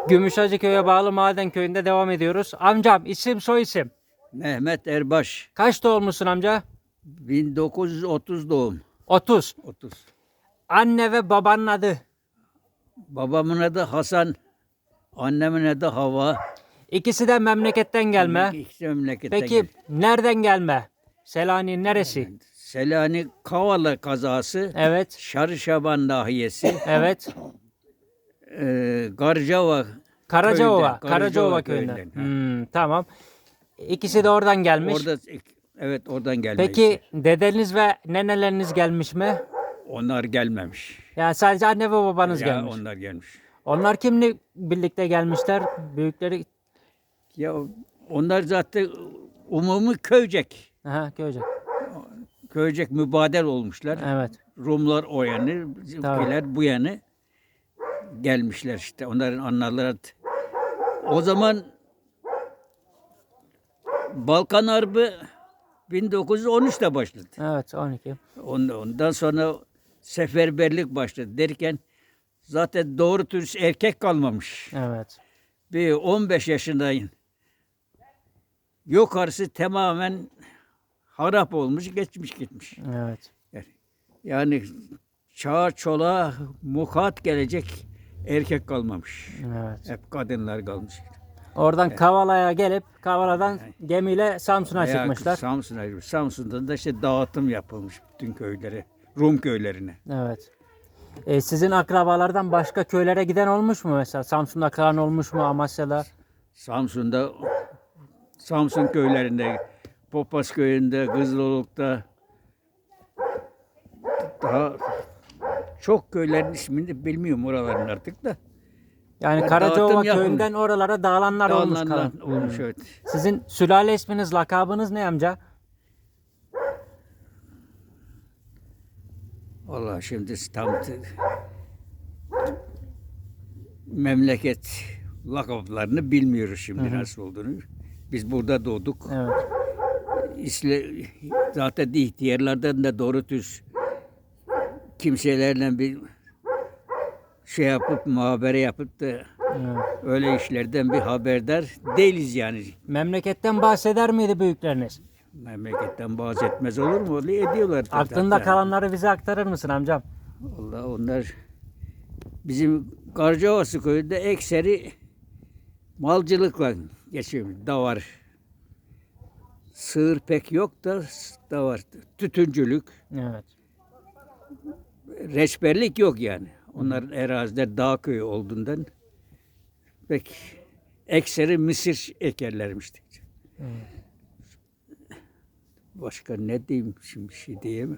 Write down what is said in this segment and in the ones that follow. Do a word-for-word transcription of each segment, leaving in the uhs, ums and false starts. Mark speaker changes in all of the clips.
Speaker 1: Gümüşhacıköy'e bağlı Maden Köyü'nde devam ediyoruz. Amcam isim soy isim.
Speaker 2: Mehmet Erbaş,
Speaker 1: Kaç doğumlusun amca?
Speaker 2: bin dokuz yüz otuz doğum.
Speaker 1: otuz.
Speaker 2: otuz.
Speaker 1: Anne ve babanın adı.
Speaker 2: Babamın adı Hasan, annemin adı Hava.
Speaker 1: İkisi de memleketten gelme.
Speaker 2: İkisi memleketten
Speaker 1: Peki
Speaker 2: geldi.
Speaker 1: nereden gelme? Selanik'in neresi?
Speaker 2: Selanik Kavala kazası,
Speaker 1: Evet.
Speaker 2: Şarışaban nahiyesi,
Speaker 1: Evet.
Speaker 2: e, Garcava
Speaker 1: Karacaova.
Speaker 2: köyünden,
Speaker 1: Karacaova köyünden.
Speaker 2: köyünden, ha.
Speaker 1: Hmm, tamam. İkisi de oradan gelmiş.
Speaker 2: Orada, evet, oradan gelme.
Speaker 1: Peki dedeniz ve neneleriniz gelmiş mi?
Speaker 2: Onlar gelmemiş.
Speaker 1: Yani sadece anne ve babanız
Speaker 2: Ya
Speaker 1: gelmiş.
Speaker 2: onlar gelmiş.
Speaker 1: Onlar kimle birlikte gelmişler? Büyükleri.
Speaker 2: Ya onlar zaten umumi köycek.
Speaker 1: Aha, Köyce.
Speaker 2: Köycek mübadel olmuşlar.
Speaker 1: Evet.
Speaker 2: Rumlar o yanı, bizimkiler bu yanı gelmişler işte. Onların analары. O zaman Balkan Harbi bin dokuz yüz on üçte başladı.
Speaker 1: Evet, on iki.
Speaker 2: Ondan sonra seferberlik başladı derken zaten doğru dürüst erkek kalmamış.
Speaker 1: Evet.
Speaker 2: Bir on beş yaşındayım. Yukarısı tamamen harap olmuş, geçmiş gitmiş.
Speaker 1: Evet.
Speaker 2: Yani çağa çoluğa mukat gelecek erkek kalmamış.
Speaker 1: Evet.
Speaker 2: Hep kadınlar kalmış.
Speaker 1: Oradan Kavala'ya gelip Kavala'dan gemiyle Samsun'a
Speaker 2: Veya
Speaker 1: çıkmışlar.
Speaker 2: Samsun'a, Samsun'dan da işte dağıtım yapılmış bütün köylere, Rum köylerine.
Speaker 1: Evet. E, sizin akrabalardan başka köylere giden olmuş mu mesela? Samsun'da kalan olmuş mu, Amasya'da?
Speaker 2: Samsun'da, Samsun köylerinde, Popas köyünde, Kızıloluk'ta daha çok köylerin ismini bilmiyorum oraların artık da.
Speaker 1: Yani
Speaker 2: Ya
Speaker 1: Karacaova
Speaker 2: dağıtım yapılmış.
Speaker 1: köyünden oralara dağılanlar olmuş
Speaker 2: Dağılanlar
Speaker 1: kalan.
Speaker 2: olmuş,
Speaker 1: Hmm.
Speaker 2: evet.
Speaker 1: Sizin sülale isminiz, lakabınız ne amca?
Speaker 2: Vallahi şimdi tam t- memleket lakaplarını bilmiyoruz şimdi nasıl olduğunu. Biz burada doğduk.
Speaker 1: Evet.
Speaker 2: İsle, zaten ihtiyarlardan da doğru düz kimselerle bir şey yapıp muhabere yapıp da
Speaker 1: Evet.
Speaker 2: öyle işlerden bir haberdar değiliz yani.
Speaker 1: Memleketten bahseder miydi büyükleriniz?
Speaker 2: Memleketten bahsetmez olur mu? Öyle ediyorlar.
Speaker 1: Aklında
Speaker 2: hatta.
Speaker 1: kalanları bize aktarır mısın amcam?
Speaker 2: Allah, onlar bizim Karcaovası köyünde ekseri malcılıkla geçiyor. Davar. Sığır pek yok da davar. Tütüncülük.
Speaker 1: Evet.
Speaker 2: Reçberlik yok yani. Onların eraziler dağ köyü olduğundan pek ekseri mısır ekerlermişti.
Speaker 1: Evet.
Speaker 2: Başka ne diyeyim şimdi, bir şey diyemem.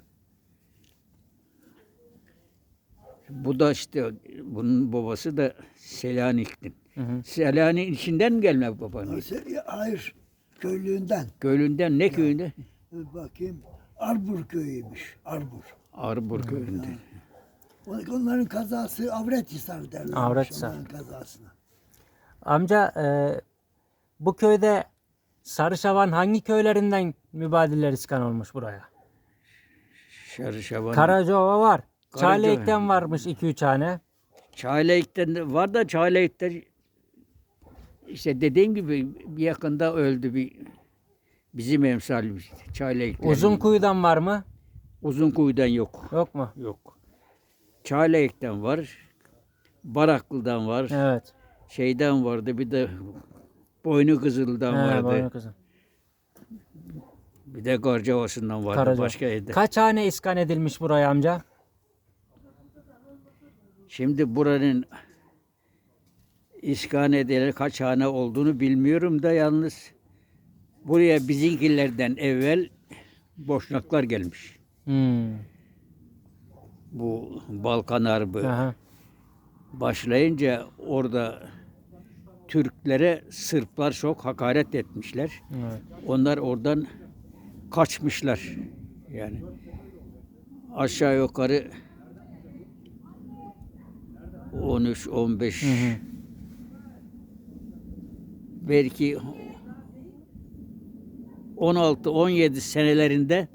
Speaker 2: Bu da işte bunun babası da Selanik'tin.
Speaker 1: Hı hı.
Speaker 2: Selanik'in içinden mi gelme babanın?
Speaker 3: Hayır, köylüğünden.
Speaker 2: Köylünden ne köyünde?
Speaker 3: Bakayım, Arbur köyüymüş, Arbur.
Speaker 2: Arbur köyünde.
Speaker 3: Onların kazası Avrethisar derler.
Speaker 1: Avrethisar.
Speaker 3: Onların kazasına.
Speaker 1: Amca e, bu köyde Sarışavan hangi köylerinden mübadiller iskan olmuş buraya?
Speaker 2: Şarışaban.
Speaker 1: Karacaova var.
Speaker 2: Karacaova.
Speaker 1: Çaylek'ten varmış iki üç tane.
Speaker 2: Çaylak'tan de var da Çaylak'ta işte dediğim gibi bir yakında öldü bir bizim emsalimiz. Çaylak'tan.
Speaker 1: Uzunkuyu'dan var mı?
Speaker 2: Uzunkuyu'dan yok.
Speaker 1: Yok mu?
Speaker 2: Yok. Çaylak'tan var. Baraklı'dan var.
Speaker 1: Evet.
Speaker 2: Şeyden vardı bir de Boynu Kızıl'dan
Speaker 1: He,
Speaker 2: vardı.
Speaker 1: Boynu Kızı.
Speaker 2: Bir de Garcavası'ndan vardı.
Speaker 1: Karacaova.
Speaker 2: Başka evde.
Speaker 1: Kaç hane iskan edilmiş buraya amca?
Speaker 2: Şimdi buranın iskan edilen kaç hane olduğunu bilmiyorum da yalnız buraya bizimkilerden evvel Boşnaklar gelmiş.
Speaker 1: Hmm.
Speaker 2: Bu Balkan Harbi
Speaker 1: Aha.
Speaker 2: başlayınca orada Türklere Sırplar çok hakaret etmişler.
Speaker 1: Evet.
Speaker 2: Onlar oradan kaçmışlar. Yani aşağı yukarı on üç on beş
Speaker 1: Hı hı.
Speaker 2: belki on altı on yedi senelerinde